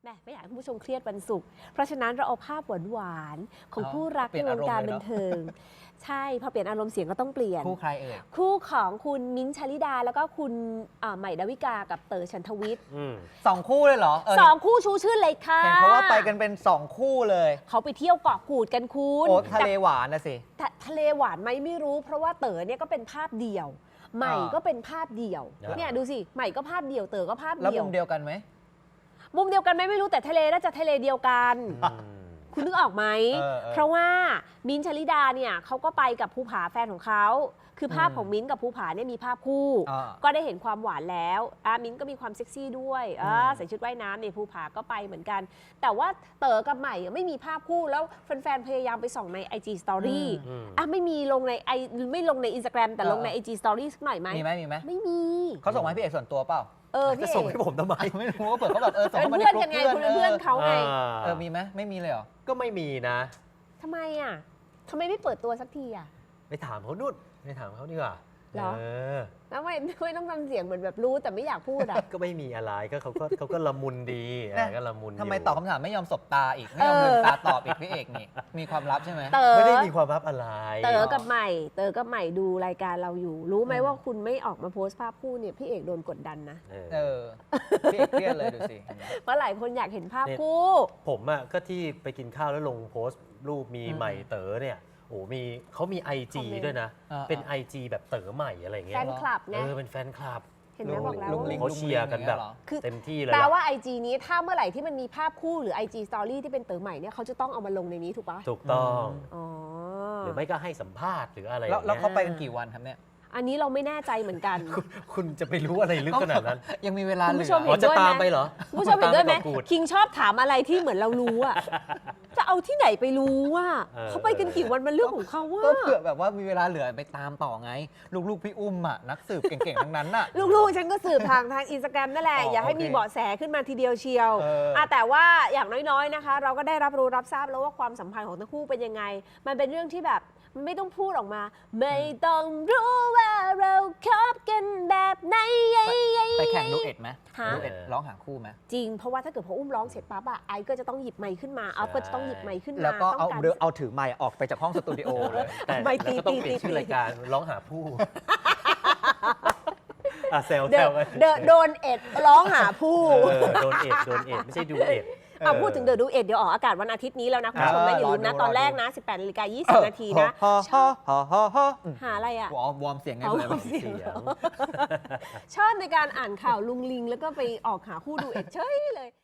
แม่ไม่อยากให้คุณผู้ชมเครียดวันศุกร์เพราะฉะนั้นเราเอาภาพหวานๆของคู่รักในวงการบันเทิงใช่พอเปลี่ยนอารมณ์เสียงก็ต้องเปลี่ยนคู่ใครเอ่ยคู่ของคุณมิ้นท์ชลิดาแล้วก็คุณใหม่ดาวิกากับเต๋อฉันทวิทย์ 2 คู่เลยเหรอ 2 คู่ชูชื่อเลยค่ะเห็นเขาว่าไปกันเป็น2 คู่เลยเขาไปเที่ยวเกาะกูดกันคุณโอ้ทะเลหวานนะสิทะเลหวานไหมไม่รู้เพราะว่าเต๋อเนี่ยก็เป็นภาพเดี่ยวใหม่ก็เป็นภาพเดี่ยวเนี่ยดูสิใหม่ก็ภาพเดี่ยวเต๋อก็ภาพเดี่ยวแล้วมุมเดียวกันไหมมุมเดียวกันไหมไม่รู้แต่ทะเลน่าจะทะเลเดียวกันคุณนึกออกไหมเพราะว่ามิ้นท์ชลิดาเนี่ยเขาก็ไปกับภูผาแฟนของเขาคือภาพของมิ้นท์กับภูผาเนี่ยมีภาพคู่ก็ได้เห็นความหวานแล้วมิ้นท์ก็มีความเซ็กซี่ด้วยใส่ชุดว่ายน้ำเนี่ยภูผาก็ไปเหมือนกันแต่ว่าเต๋อกับใหม่ไม่มีภาพคู่แล้วแฟนๆพยายามไปส่องใน IG Story ไม่มีลงในไม่ลงใน Instagram แต่ลงใน IG Story สักหน่อยไหมมีไหมไม่มีเขาส่งมาให้พี่เอกส่วนตัวเปล่าจะส่งให้ผมทำไมไม่รู้ว่าเปิดเขาแบบส่งเป็นเพื่อนกันไงคุณเป็นเพื่อนเขาไงมีไหมไม่มีเลยเหรอก็ไม่มีนะทำไมทำไมไม่เปิดตัวสักทีไปถามเขานู่นไปถามเขาดีกว่าเหรอแล้วไม่ต้องทำเสียงเหมือนแบบรู้แต่ไม่อยากพูดก็ไม่มีอะไรก็เขาก็ละมุนดีก็ละมุนทำไมตอบคำถามไม่ยอมสบตาอีกไม่ยอมลืมตาตอบอีกพี่เอกนี่มีความลับใช่ไหมไม่ได้มีความลับอะไรเต๋อกับใหม่ดูรายการเราอยู่รู้ไหมว่าคุณไม่ออกมาโพสต์ภาพคู่เนี่ยพี่เอกโดนกดดันนะพี่เอกเครียดเลยดูสิเพราะหลายคนอยากเห็นภาพคู่ผมก็ที่ไปกินข้าวแล้วลงโพสต์รูปมีใหม่เต๋อเนี่ยโอ้เขามี IG ด้วยนะเป็น IG แบบเต๋อใหม่อะไรเงี้ยแฟนคลับไงเป็นแฟนคลับเห็นไหมบอกแล้วเขาเชียร์กันแบบเต็มที่เลยแปลว่า IG นี้ถ้าเมื่อไหร่ที่มันมีภาพคู่หรือ IG Story ที่เป็นเต๋อใหม่เนี่ยเขาจะต้องเอามาลงในนี้ถูกปะถูกต้องหรือไม่ก็ให้สัมภาษณ์หรืออะไรแล้วเขาไปกันกี่วันครับเนี่ยอันนี้เราไม่แน่ใจเหมือนกันคุณจะไปรู้อะไรลึกขนาดนั้นยังมีเวลาเหลือจะตามไปเหรอผู้ชมเห็นด้วยไหมคิงชอบถามอะไรที่เหมือนเรารู้จะเอาที่ไหนไปรู้เขาไปกันกี่วันมันเรื่องของเขาก็เผื่อแบบว่ามีเวลาเหลือไปตามต่อไงลูกๆพี่อุ้มนักสืบเก่งๆทั้งนั้นลูกๆฉันก็สืบทางอินสตาแกรมนั่นแหละอย่าให้มีเบาะแสขึ้นมาทีเดียวเชียวแต่ว่าอย่างน้อยๆนะคะเราก็ได้รับรู้รับทราบแล้วว่าความสัมพันธ์ของทั้งคู่เป็นยังไงมันเป็นเรื่องที่แบบไม่ต้องพูดออกมาไม่ต้องรู้ว่าเราคบกันแบบไหนไปแข่งดูเอ็ดไหมดูเอ็ดร้องหาคู่ไหมจริงเพราะว่าถ้าเกิดพออุ้มร้องเสร็จปั๊บไอก็จะต้องหยิบไมค์ขึ้นมาเอาก็จะต้องหยิบไมค์ขึ้นมาแล้วก็เอาถือไมค์ออกไปจากห้องสตูดิโอเลยแต่ก็ต้องเปลี่ยนชื่อรายการร้องหาผู้เซลโดนเอ็ดร้องหาผู้โดนเอ็ดไม่ใช่ดูเอ็ดพูดถึงเดอะดูเอ็ดเดี๋ยวออกอากาศวันอาทิตย์นี้แล้วนะคุณผู้ชมนะอย่าลืมนะตอนแรกนะ 18:20 นาทีนะหาอะไรวอร์มเสียงไงชอบในการอ่านข่าวลุงลิงแล้วก็ไปออกหาคู่ดูเอ็ดเฉยเลย